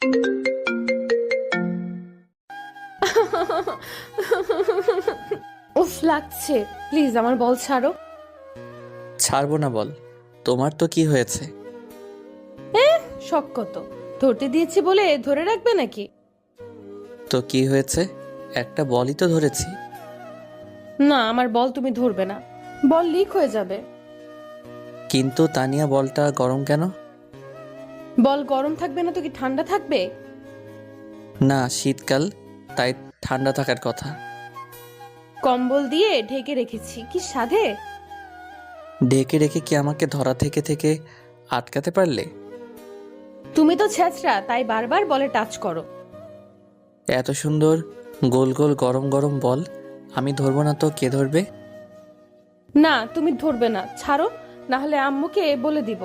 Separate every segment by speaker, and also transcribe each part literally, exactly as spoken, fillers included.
Speaker 1: উফ লাগছে, প্লিজ আমার বল ছাড়ো।
Speaker 2: ছাড়বো না বল, তোমার তো কি হয়েছে?
Speaker 1: শখ কত, ধরতে দিয়েছি বলে ধরে রাখবে নাকি?
Speaker 2: তো কি হয়েছে? একটা বলই তো ধরেছি।
Speaker 1: না, আমার বল তুমি ধরবে না, বল লিক হয়ে যাবে।
Speaker 2: কিন্তু তানিয়া বলটা গরম কেন?
Speaker 1: বল গরম থাকবে না তো কি ঠান্ডা থাকবে?
Speaker 2: না শীতকাল, তাই ঠান্ডা থাকার কথা।
Speaker 1: কম্বল দিয়ে ঢেকে রেখেছি, কি সাধে?
Speaker 2: ঢেকে রেখে কি আমাকে ধরা থেকে থেকে আটকাতে পারলে?
Speaker 1: তুমি তো ছেঁচড়া, তাই বারবার বলে টাচ করো।
Speaker 2: এত সুন্দর গোল গোল গরম গরম বল আমি ধরবো না তো কে ধরবে?
Speaker 1: না তুমি ধরবে না, ছাড়ো, না হলে আম্মুকে বলে দিব।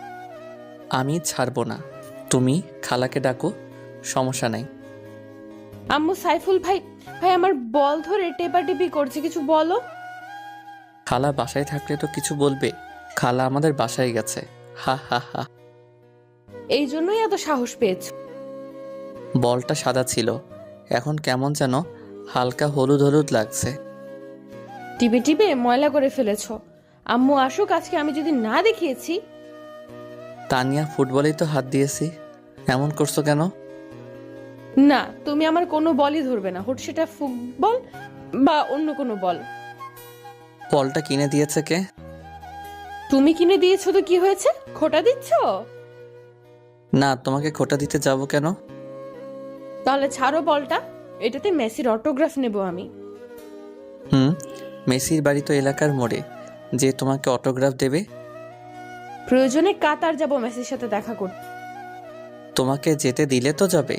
Speaker 2: আমি ছাড়বো না, তুমি খালাকে ডাকো, সমস্যা নাই।
Speaker 1: আম্মু সাইফুল ভাই, ভাই আমার বল ধরে টেপাটেপি করছে, কিছু বলো।
Speaker 2: খালা বাসায় থাকলে তো কিছু বলবে, খালা আমাদের বাসায় গেছে। হা হা হা।
Speaker 1: এই জন্যই এত সাহস পেয়েছ।
Speaker 2: বলটা সাদা ছিল, এখন কেমন যেন হালকা হলুদ হলুদ লাগছে।
Speaker 1: টিপে টিপে ময়লা করে ফেলেছ। আম্মু আসুক আজকে, আমি যদি না দেখিয়েছি।
Speaker 2: তানিয়া ফুটবলেই তো হাত দিয়েছি, এমন করছো কেন?
Speaker 1: না, তুমি আমার কোনো বলই ধরবে না, হোক সেটা ফুটবল বা অন্য কোনো বল।
Speaker 2: বলটা কিনে দিয়েছে কে?
Speaker 1: তুমি কিনে দিয়েছো তো কি হয়েছে, খোটা দিচ্ছ?
Speaker 2: না, তোমাকে খোটা দিতে যাব কেন?
Speaker 1: তাহলে ছাড়ো বলটা, এটাতে মেসির অটোগ্রাফ নেব আমি।
Speaker 2: হুম, মেসির বাড়ি তো এলাকার মোড়ে, যে তোমাকে অটোগ্রাফ দেবে?
Speaker 1: প্রয়োজনে কাতার যাব মেসির সাথে দেখা করতে।
Speaker 2: তোমাকে যেতে দিলে তো যাবে।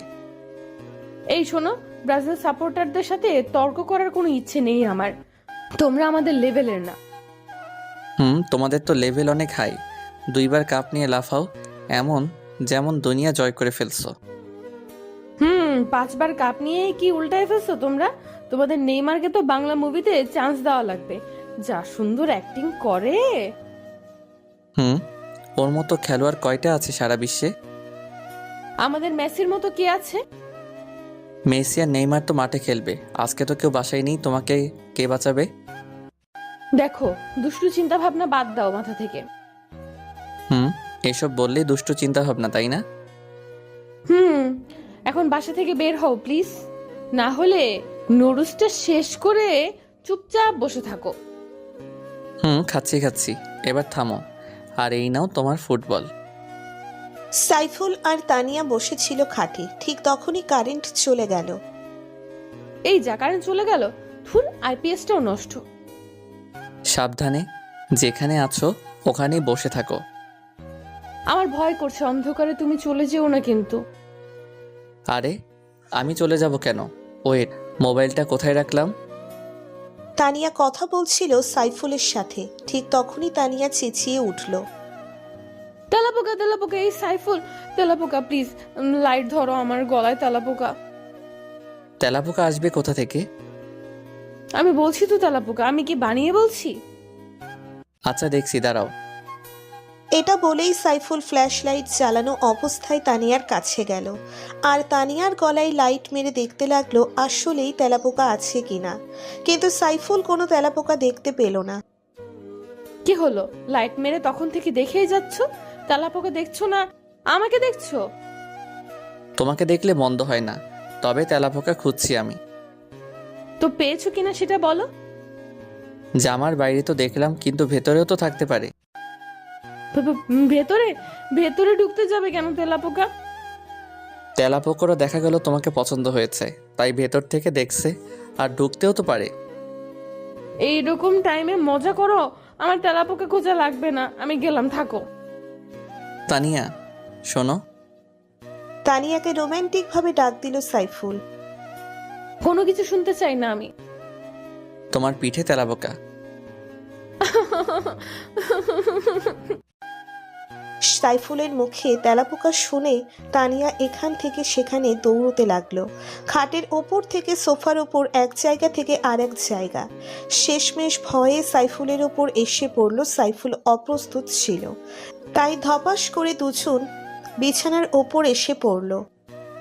Speaker 1: এই শোনো, ব্রাজিল সাপোর্টারদের সাথে তর্ক করার কোনো ইচ্ছে নেই আমার, তোমরা আমাদের লেভেলের না।
Speaker 2: হুম, তোমাদের তো লেভেল অনেক হাই, দুইবার কাপ নিয়ে লাফাও, এমন যেমন দুনিয়া জয় করে ফেলছো।
Speaker 1: হুম, পাঁচবার কাপ নিয়ে কি উল্টায় ফেলছো তোমরা? তোমাদের নেইমারকে তো বাংলা মুভিতে চান্স দেওয়া লাগবে, যা সুন্দর অ্যাক্টিং করে।
Speaker 2: হুম, ওর মতো খেলোয়াড় কয়টা আছে সারা বিশ্বে?
Speaker 1: আমাদের মেসির মতো কে আছে?
Speaker 2: মেসি আর নেইমার তো মাঠে খেলবে, আজকে তো কেউ বাসায় নেই, তোমাকে কে বাঁচাবে?
Speaker 1: দেখো, দুষ্টু চিন্তা ভাবনা বাদ দাও মাথা থেকে।
Speaker 2: হুম, এসব বললেই দুষ্টু চিন্তা ভাবনা, তাই না?
Speaker 1: হুম, এখন বাসা থেকে বের হও প্লিজ, না হলে নুডলসটা শেষ করে চুপচাপ বসে থাকো।
Speaker 2: হুম, খাচ্ছি খাচ্ছি, এবার থামো, আর এই নাও তোমার ফুটবল।
Speaker 3: সাইফুল আর তানিয়া বসেছিল খাটে, ঠিক তখনই কারেন্ট চলে গেল।
Speaker 1: এই যা, কারেন্ট চলে গেল, থুর, আইপিএসটাও নষ্ট।
Speaker 2: সাবধানে, যেখানে আছো ওখানেই বসে থাকো।
Speaker 1: আমার ভয় করছে, অন্ধকারে তুমি চলে যেও না কিন্তু।
Speaker 2: আরে আমি চলে যাব কেন? ওয়েট, মোবাইলটা কোথায় রাখলাম?
Speaker 3: তানিয়া কথা বলছিল সাইফুলের সাথে, ঠিক তখনই তানিয়া চেঁচিয়ে উঠল।
Speaker 1: তেলাপোকা তেলাপোকা, এই সাইফুল, তেলাপোকা প্লিজ, লাইট ধরো, আমার গলায় তেলাপোকা।
Speaker 2: তেলাপোকা আসবে কোথা থেকে?
Speaker 1: আমি বলছি তো তেলাপোকা, আমি কি বানিয়ে বলছি?
Speaker 2: আচ্ছা দেখছি, দাঁড়াও।
Speaker 3: এটা বলেই সাইফুল ফ্ল্যাশ লাইট জ্বালানো অবস্থায় তানিয়ার কাছে গেল, আর তানিয়ার গলায় লাইট মেরে দেখতে লাগলো আসলেই তেলাপোকা আছে কিনা। কিন্তু সাইফুল কোনো তেলাপোকা দেখতে পেল না।
Speaker 1: কি হলো, লাইট মেরে তখন থেকে দেখেই যাচ্ছ, তেলাপোকা দেখছো না, আমাকে দেখছো?
Speaker 2: তোমাকে দেখলে মন্দ হয় না, তবে তেলাপোকা খুঁজছি আমি।
Speaker 1: তো পেয়েছো কিনা সেটা বলো।
Speaker 2: জামার বাইরে তো দেখলাম, কিন্তু ভেতরেও তো থাকতে পারে।
Speaker 1: ভে- ভে- ভেতরে ভেতরে ঢুকতে যাবে কেন তেলাপোকা?
Speaker 2: তেলাপোকারও দেখা গেল তোমাকে পছন্দ হয়েছে, তাই ভেতর থেকে দেখছে, আর ঢুকতেও তো পারে।
Speaker 1: এইরকম টাইমে মজা করো, আমার তেলাপোকা খোঁজা লাগবে না, আমি গেলাম, থাকো।
Speaker 2: তানিয়া শোনো।
Speaker 3: তানিয়াকে রোমান্টিক ভাবে ডাক দিল সাইফুল।
Speaker 1: কোনো কিছু শুনতে চাই না আমি।
Speaker 2: তোমার পিঠে তেলাপোকা।
Speaker 3: সাইফুলের মুখে তেলাপোকা শুনে তানিয়া এখান থেকে সেখানে দৌড়তে লাগলো, খাটের ওপর থেকে সোফার ওপর, এক জায়গা থেকে আর এক জায়গা। শেষমেশ ভয়ে সাইফুলের ওপর এসে পড়ল। সাইফুল অপ্রস্তুত ছিল, তাই ধপাস করে দুজন বিছানার ওপর এসে পড়ল।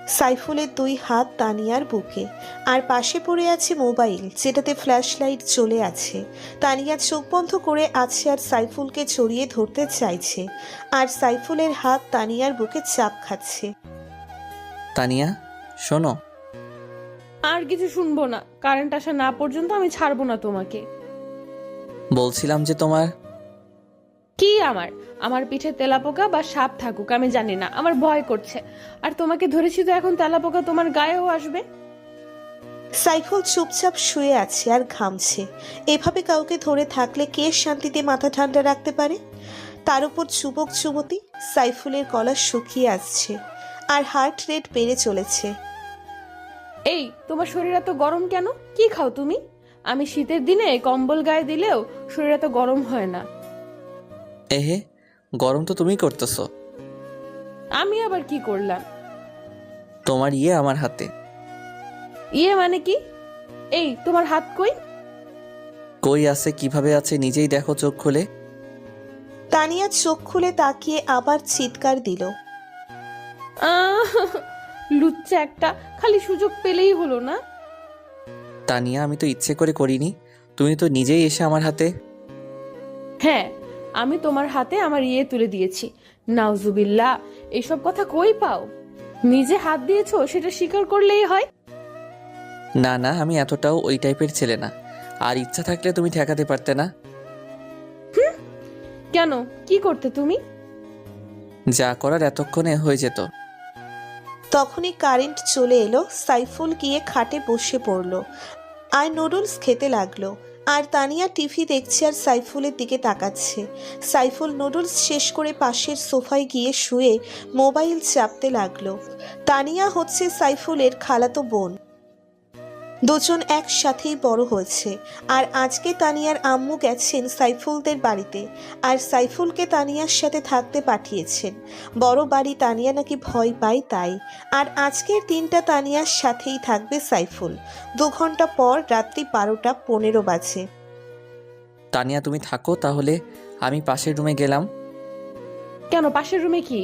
Speaker 3: সাইফুলের দুই হাত তানিয়ার বুকে, আর পাশে পড়ে আছে মোবাইল যেটাতে ফ্ল্যাশ লাইট জ্বলে আছে। তানিয়া চোখ বন্ধ করে আছে আর সাইফুলকে জড়িয়ে ধরতে চাইছে, আর সাইফুলের হাত তানিয়ার বুকে চাপ খাচ্ছে।
Speaker 2: তানিয়া শোনো।
Speaker 1: আর কিছু শুনবো না, কারেন্ট আসা না পর্যন্ত আমি ছাড়বো না তোমাকে।
Speaker 2: বলছিলাম যে তোমার
Speaker 1: কি আমার আমার পিঠে তেলাপোকা বা সাপ থাকুক আমি জানি না, আমার ভয় করছে। আর তোমাকে ধরেছি তো এখন তেলাপোকা তোমার গায়েও আসবে।
Speaker 3: সাইফুল চুপচাপ শুয়ে আছে আর ঘামছে। এভাবে কাউকে ধরে থাকলে কে শান্তিতে মাথা ঠান্ডা রাখতে পারে? তার উপর যুবক যুবতী। সাইফুলের গলা শুকিয়ে আসছে আর হার্ট রেট বেড়ে চলেছে।
Speaker 1: এই তোমার শরীর এত গরম কেন? কি খাও তুমি? আমি শীতের দিনে কম্বল গায়ে দিলেও শরীর এত গরম হয় না।
Speaker 2: এহে, গরম তো তুমি করতেছো।
Speaker 1: আমি আবার কি করলাম?
Speaker 2: তোমার ইয়ে আমার হাতে।
Speaker 1: ইয়ে মানে কি? এই তোমার হাত কই?
Speaker 2: কই আছে, কিভাবে আছে নিজেই দেখো চোখ খুলে।
Speaker 3: তানিয়া চোখ খুলে তাকিয়ে আবার চিৎকার দিল।
Speaker 1: আহ, লুচ্চা একটা, খালি সুযোগ পেলেই হলো না।
Speaker 2: তানিয়া আমি তো ইচ্ছে করে করিনি, তুমি তো নিজেই এসে আমার হাতে।
Speaker 1: হ্যাঁ, আমি তোমার হাতে আমার ইয়ে তুলে দিয়েছি। নাউজুবিল্লাহ, এইসব কথা কই পাও? নিজে হাত দিয়েছো সেটা স্বীকার করলেই হয়।
Speaker 2: না না, আমি এতটাও ওই টাইপের ছেলে না। আর ইচ্ছা থাকলে তুমি ঠেকাতে পারতে না।
Speaker 1: কেন, কি করতে তুমি?
Speaker 2: যা করার এতক্ষণে হয়ে যেত।
Speaker 3: তখনই কারেন্ট চলে এলো। সাইফুল গিয়ে খাটে বসে পড়ল আর নুডলস খেতে লাগলো। আর তানিয়া টিভি দেখছে আর সাইফুলের দিকে তাকাচ্ছে। সাইফুল নুডলস শেষ করে পাশের সোফায় গিয়ে শুয়ে মোবাইল চাপতে লাগলো। তানিয়া হচ্ছে সাইফুলের খালাতো বোন। দুজন একসাথেই বড় হয়েছে। আর আজকে তানিয়ার আম্মু গেছেন সাইফুলদের বাড়িতে, আর সাইফুলকে তানিয়ার সাথে থাকতে পাঠিয়েছেন। বড় বাড়ি তানিয়া নাকি ভয় পায় তাই। আর আজকের দিনটা তানিয়ার সাথেই থাকবে সাইফুল। দু ঘন্টা পর রাত্রি বারোটা পনেরো বাজে।
Speaker 2: তানিয়া তুমি থাকো তাহলে, আমি পাশের রুমে গেলাম।
Speaker 1: কেন, পাশের রুমে কি?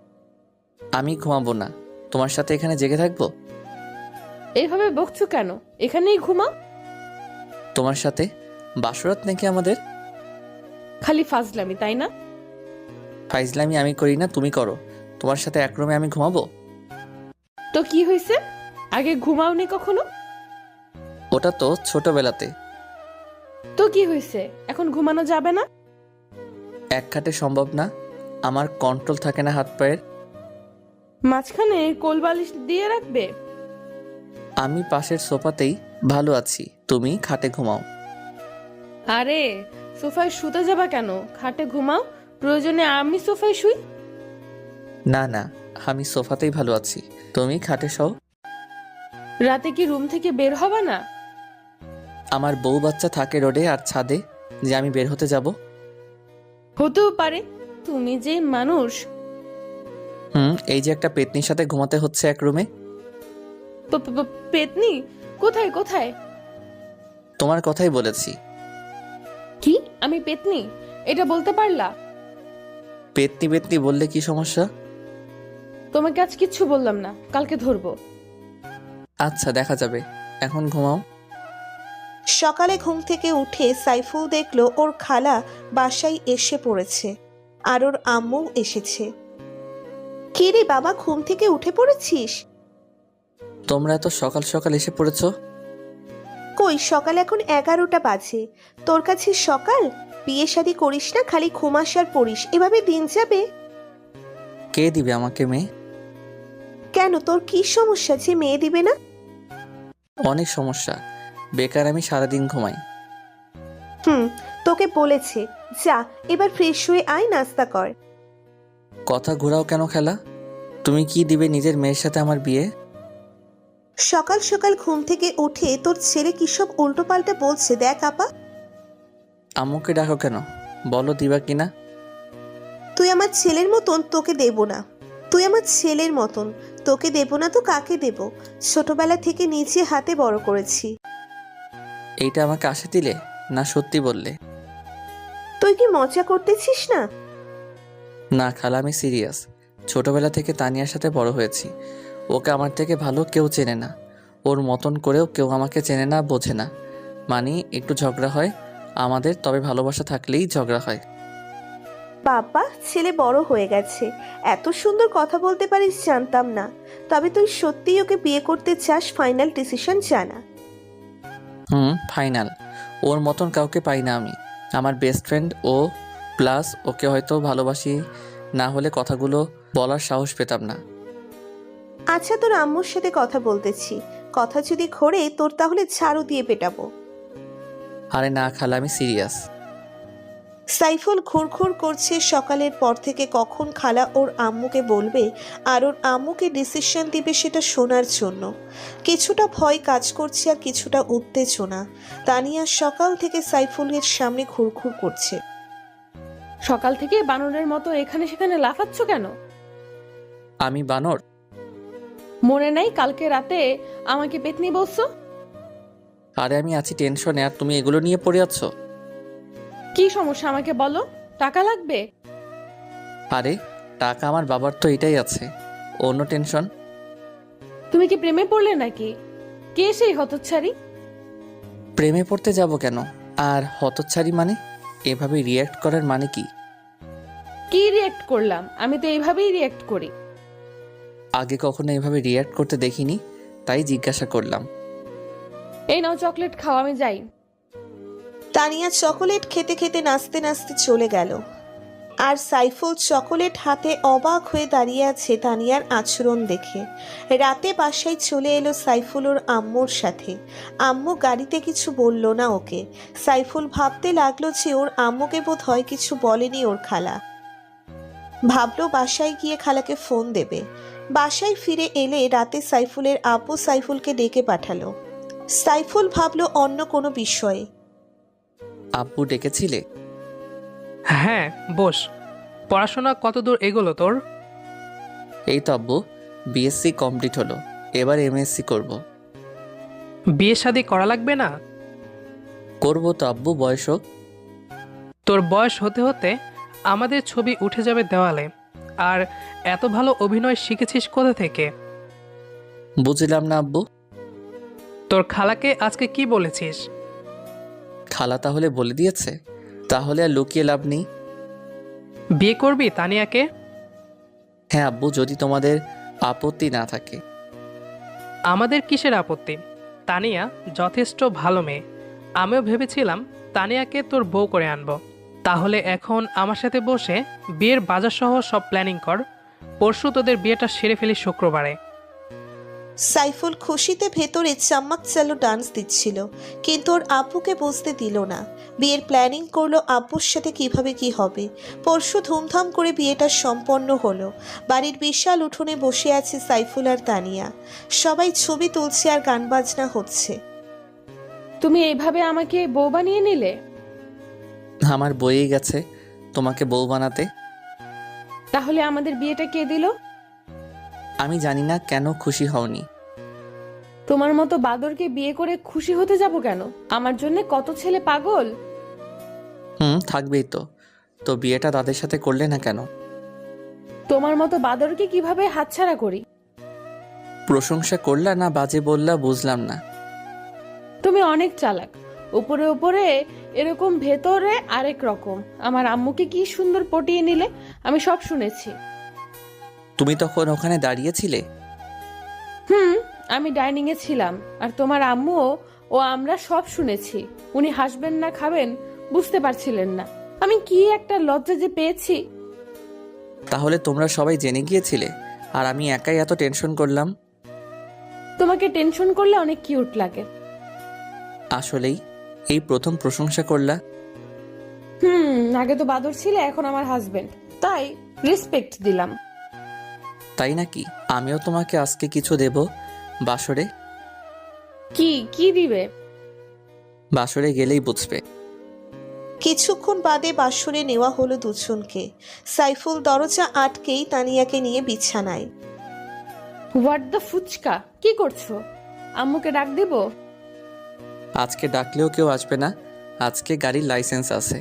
Speaker 2: আমি ঘুমাবো না, তোমার সাথে এখানে জেগে থাকবো।
Speaker 1: এইভাবে বকছো কেন? এখানেই ঘুমাও।
Speaker 2: তোমার সাথে বাসরাত নাকি আমাদের?
Speaker 1: খালি ফাজলামি, তাই না?
Speaker 2: ফাইজলামি আমি করি না, তুমি করো। তোমার সাথে এক রুমে আমি ঘুমাবো?
Speaker 1: তো কি হয়েছে? আগে ঘুমাওনি কখনো?
Speaker 2: ওটা তো ছোটবেলাতে।
Speaker 1: তো কি হয়েছে, এখন ঘুমানো যাবে না?
Speaker 2: এক খাটে সম্ভব না, আমার কন্ট্রোল থাকে না হাত পায়ের।
Speaker 1: মাঝখানে কোলবালিশ দিয়ে রাখবে।
Speaker 2: আমি পাশের সোফাতেই ভালো আছি, তুমি খাটে ঘুমাও।
Speaker 1: আরে, সোফায় শুতে যাবা কেন? খাটে ঘুমাও, প্রয়োজনে আমি সোফায় শুই।
Speaker 2: না না, আমি সোফাতেই ভালো আছি, তুমি খাটে শও।
Speaker 1: রাতে কি রুম থেকে বের হবা না?
Speaker 2: আমার বউ বাচ্চা থাকে রোডে আর ছাদে, যে আমি বের হতে যাব?
Speaker 1: হতেও পারে, তুমি যে মানুষ।
Speaker 2: হুম, এই যে একটা পেতনির সাথে ঘুমাতে হচ্ছে এক রুমে।
Speaker 1: প- প- প- পেতনি? কোথায় কোথায়?
Speaker 2: তোমার কথাই বলেছি।
Speaker 1: কি, আমি পেতনি? এটা বলতে পারলা?
Speaker 2: পেতনি পেতনি বললে কি সমস্যা?
Speaker 1: তোমাকে আজ কিচ্ছু বললাম না, কালকে ধরবো।
Speaker 2: আচ্ছা দেখা যাবে, এখন ঘুমাও।
Speaker 3: সকালে ঘুম থেকে উঠে সাইফুল দেখলো ওর খালা বাসায় এসে পড়েছে, আর ওর আম্মু এসেছে। কে রে বাবা, ঘুম থেকে উঠে পড়েছিস?
Speaker 2: তোমরা এত সকাল সকাল এসে পড়েছো?
Speaker 3: কই, সকাল এখন এগারোটা বাজে। তোর কাছে সকাল? বিয়ে শাদী করিস না, খালি ঘুমাস আর পড়িস, এভাবে দিন যাবে?
Speaker 2: কে দিবে আমাকে মেয়ে?
Speaker 3: কেন, তোর কি সমস্যা যে মেয়ে দিবে না?
Speaker 2: অনেক সমস্যা, বেকার আমি সারাদিন ঘুমাই।
Speaker 3: হুম, তোকে বলেছে। যা, এবার ফ্রেশ হয়ে আয়, নাস্তা কর।
Speaker 2: কথা ঘোরাও কেন খেলা? তুমি কি দিবে নিজের মেয়ের সাথে আমার বিয়ে?
Speaker 3: সকাল সকাল ঘুম থেকে উঠে তোর ছেলে কি সব উল্টো পাল্টা বলছে দেখ আপা।
Speaker 2: আম্মুকে ডাকো কেন, বলো দিবা কিনা।
Speaker 3: তুই আমার ছেলের মতন, তোকে দেব না। তুই আমার ছেলের মতন, তোকে দেব না তো কাকে দেব? ছোটবেলা থেকে নিজে হাতে বড় করেছি।
Speaker 2: এইটা আমাকে আশা দিলে না সত্যি বললে?
Speaker 3: তুই কি মজা করতেছিস না?
Speaker 2: না খালা, আমি সিরিয়াস। ছোটবেলা থেকে তানিয়ার সাথে বড় হয়েছি, ওকে আমার থেকে ভালো কেউ চেনে না, ওর মতন করেও কেউ আমাকে চেনে না, বোঝে না। মানে একটু ঝগড়া হয় আমাদের, তবে ভালোবাসা থাকলেই ঝগড়া হয়।
Speaker 3: বাবা, ছেলে বড় হয়ে গেছে, এত সুন্দর কথা বলতে পারিস জানতাম না। তবে তুই সত্যিই ওকে বিয়ে করতে চাস? ফাইনাল ডিসিশন জানা।
Speaker 2: হুম, ফাইনাল। ওর মতন কাউকে পাই না আমি। আমার বেস্ট ফ্রেন্ড ও, প্লাস ওকে হয়তো ভালোবাসি না হলে কথাগুলো বলার সাহস পেতাম না।
Speaker 3: আচ্ছা, তোর আম্মুর সাথে কথা বলতেছি, কথা যদি ঘোরে তোর তাহলে ঝাড়ু দিয়ে পেটাবো।
Speaker 2: আরে না খালা, আমি সিরিয়াস।
Speaker 3: সাইফুল ঘুরঘুর করছে সকালের পর থেকে কখন খালা ওর আম্মুকে বলবে আর ওর আম্মুকে ডিসিশন দিবে সেটা শোনার জন্য। কিছুটা ভয় কাজ করছে আর কিছুটা উত্তেজনা। তানিয়া সকাল থেকে সাইফুলের সামনে ঘুরঘুর করছে।
Speaker 1: সকাল থেকে বানরের মতো এখানে সেখানে লাফাচ্ছ কেন?
Speaker 2: আমি বানর?
Speaker 1: মনে নাই কালকে রাতে আমাকে পেতনি বলছো?
Speaker 2: আরে আমি আছি টেনশনে আর তুমি এগুলো নিয়ে পড়ে আছো।
Speaker 1: কি সমস্যা আমাকে বলো, টাকা লাগবে?
Speaker 2: আরে টাকা আমার বাবার তো এটাই আছে, অন্য টেনশন?
Speaker 1: তুমি কি প্রেমে পড়লে নাকি? কে সেই হতচ্ছাড়ি?
Speaker 2: প্রেমে পড়তে যাব কেন? আর হতচ্ছাড়ি মানে? এভাবে রিয়্যাক্ট করার মানে কি?
Speaker 1: কি রিয়েক্ট করলাম? আমি তো এইভাবেই রিয়েক্ট করি।
Speaker 2: আগে কখনো এভাবে রিয়্যাক্ট করতে দেখিনি, তাই জিজ্ঞাসা করলাম।
Speaker 1: এই নাও চকলেট খাও, আমি যাই।
Speaker 3: তানিয়া চকোলেট খেতে খেতে নাচতে নাচতে চলে গেল। আর সাইফুল চকোলেট হাতে অবাক হয়ে দাঁড়িয়ে আছে তানিয়ার আচরণ দেখে। রাতে বাসায় চলে এলো সাইফুল ওর আম্মুর সাথে। আম্মু গাড়িতে কিছু বলল না ওকে। সাইফুল ভাবতে লাগলো যে ওর আম্মুকে বোধ হয় কিছু বলেনি ওর খালা। ভাবলো বাসায় গিয়ে খালাকে ফোন দেবে। বাসায় ফিরে এলে রাতে সাইফুলের আব্বু সাইফুলকে ডেকে পাঠালো। সাইফুল ভাবলো অন্য কোনো বিষয়ে।
Speaker 2: আব্বু ডেকেছিলে?
Speaker 4: হ্যাঁ, বস। পড়াশোনা কতদূর এগোলো তোর?
Speaker 2: এই তো আব্বু, বিএসসি কমপ্লিট হলো, এবার এমএসসি করব।
Speaker 4: বিয়ে শাদী করা লাগবে না?
Speaker 2: করব তো আব্বু, বয়স হোক।
Speaker 4: তোর বয়স হতে হতে আমাদের ছবি উঠে যাবে দেওয়ালে। আর এত ভালো অভিনয় শিখেছিস কোথা থেকে?
Speaker 2: বুঝলাম না আব্বু।
Speaker 4: তোর খালাকে আজকে কি বলেছিস?
Speaker 2: খালা তাহলে বলে দিয়েছে? তাহলে আর লুকিয়ে লাভ নেই।
Speaker 4: বিয়ে করবি তানিয়াকে?
Speaker 2: হ্যাঁ আব্বু, যদি তোমাদের আপত্তি না থাকে।
Speaker 4: আমাদের কিসের আপত্তি? তানিয়া যথেষ্ট ভালো মেয়ে। আমিও ভেবেছিলাম তানিয়াকে তোর বউ করে আনবো। তাহলে এখন আমার সাথে বসে বিয়ের বাজার সহ সব প্ল্যানিং কর। পরশু তোদের বিয়েটা সেরে ফেলি শুক্রবারে।
Speaker 3: সাইফুল খুশিতে ভেতরে চাম্মাক চালু ডান্স দিচ্ছিল, কিন্তু ওর আব্বুকে বুঝতে দিল না। বিয়ের প্ল্যানিং করলো আব্বুর সাথে কিভাবে কি হবে। পরশু ধুমধাম করে বিয়েটা সম্পন্ন হলো। বাড়ির বিশাল উঠোনে বসে আছে সাইফুল আর তানিয়া। সবাই ছবি তুলছে আর গান বাজনা হচ্ছে।
Speaker 1: তুমি এইভাবে আমাকে বউ বানিয়ে নিলে?
Speaker 2: আমার বইয়ে গেছে তোমাকে বউ বানাতে।
Speaker 1: তাহলে আমাদের বিয়েটা কে দিল?
Speaker 2: আমি জানি না কেন খুশি হওনি।
Speaker 1: তোমার মতো বাদরকে বিয়ে করে খুশি হতে যাব কেন? আমার জন্য কত ছেলে পাগল।
Speaker 2: হুম, থাকবেই তো। তো বিয়েটা তাদের সাথে করলে না কেন?
Speaker 1: তোমার মতো বাদরকে কিভাবে হাতছাড়া করি?
Speaker 2: প্রশংসা করলা না বাজে বললা বুঝলাম না।
Speaker 1: তুমি অনেক চালাক। উপরে উপরে এরকম, ভেতরে আরেক রকম। আমার আম্মুকে কি সুন্দর পটিয়ে নিলে, আমি সব শুনেছি।
Speaker 2: তুমি তখন ওখানে দাঁড়িয়েছিলে?
Speaker 1: হুম, আমি ডাইনিং এ ছিলাম, আর তোমার আম্মুও ও আমরা সব শুনেছি। উনি হাসবেন না খাবেন বুঝতে পারছিলেন না। আমি কি একটা লজ্জা যে পেয়েছি।
Speaker 2: তাহলে তোমরা সবাই জেনে গিয়েছিলে আর আমি একাই এত টেনশন করলাম?
Speaker 1: তোমাকে টেনশন করলে অনেক কিউট লাগে।
Speaker 2: আসলেই এই প্রথম প্রশংসা করলা।
Speaker 1: হুম, আগে তো বাদর ছিলে, এখন আমার হাজবেন্ড, তাই রেসপেক্ট দিলাম।
Speaker 2: তাই নাকি? আমিও তোমাকে আজকে কিছু দেব বাসরে।
Speaker 1: কি কি দিবে?
Speaker 2: বাসরে গেলেই বুঝবে।
Speaker 3: কিছুক্ষণ বাদে বাসরে নেওয়া হলো দুজনকে। সাইফুল দরজা আটকেই তানিয়াকে নিয়ে বিছানায়।
Speaker 1: হোয়াট দ্য ফুচকা, কি করছো? আম্মুকে ডাক দিব?
Speaker 2: আজকে ডাকলেও কেউ আসবে না, আজকে গাড়ির লাইসেন্স আছে।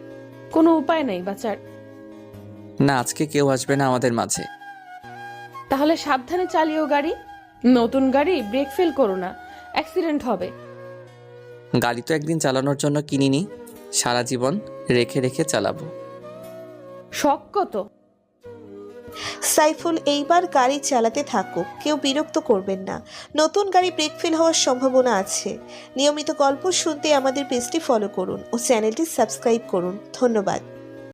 Speaker 1: কোনো উপায় নাই বাচার।
Speaker 2: না, আজকে কেউ আসবে না আমাদের মাঝে।
Speaker 1: তাহলে সাবধানে চালিও গাড়ি। নতুন গাড়ি ব্রেক ফেল করো না, অ্যাক্সিডেন্ট হবে।
Speaker 2: গাড়ি তো একদিন চালানোর জন্য কিনিনি, সারা জীবন রেখে রেখে চালাবো।
Speaker 1: শখ কত?
Speaker 3: সাইফুল এইবার গাড়ি চালাতে থাকুক, কেউ বিরক্ত করবেন না। নতুন গাড়ি ব্রেক ফেল হওয়ার সম্ভাবনা আছে। নিয়মিত গল্প শুনতে আমাদের পেজটি ফলো করুন ও চ্যানেলটি সাবস্ক্রাইব করুন। ধন্যবাদ।